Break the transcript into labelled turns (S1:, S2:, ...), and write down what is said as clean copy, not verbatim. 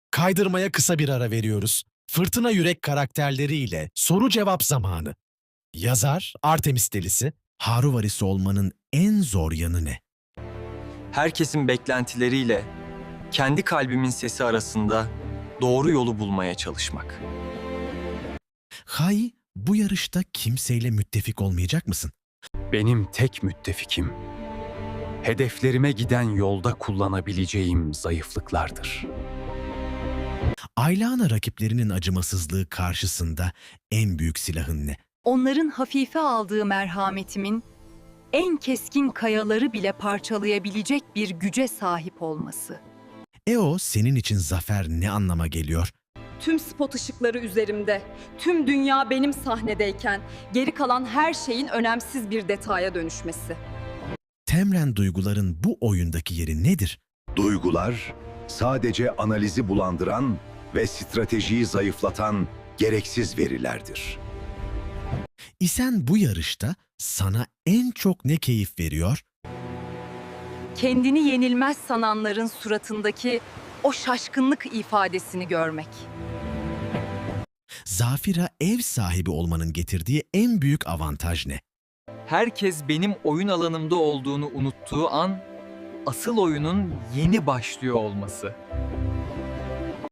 S1: Kaydırmaya kısa bir ara veriyoruz. Fırtına Yürek karakterleriyle soru cevap zamanı. Yazar Artemis Delisi, Haruvarisi olmanın en zor yanı ne?
S2: Herkesin beklentileriyle kendi kalbimin sesi arasında doğru yolu bulmaya çalışmak.
S1: Hay, bu yarışta kimseyle müttefik olmayacak mısın?
S3: Benim tek müttefikim, hedeflerime giden yolda kullanabileceğim zayıflıklardır.
S1: Aylana rakiplerinin acımasızlığı karşısında en büyük silahın ne?
S4: Onların hafife aldığı merhametimin en keskin kayaları bile parçalayabilecek bir güce sahip olması.
S1: Senin için zafer ne anlama geliyor?
S5: Tüm spot ışıkları üzerimde, tüm dünya benim sahnedeyken geri kalan her şeyin önemsiz bir detaya dönüşmesi.
S1: Temren duyguların bu oyundaki yeri nedir?
S6: Duygular sadece analizi bulandıran ve stratejiyi zayıflatan gereksiz verilerdir.
S1: İsen bu yarışta sana en çok ne keyif veriyor?
S4: Kendini yenilmez sananların suratındaki o şaşkınlık ifadesini görmek.
S1: Zafira ev sahibi olmanın getirdiği en büyük avantaj ne?
S2: Herkes benim oyun alanımda olduğunu unuttuğu an asıl oyunun yeni başlıyor olması.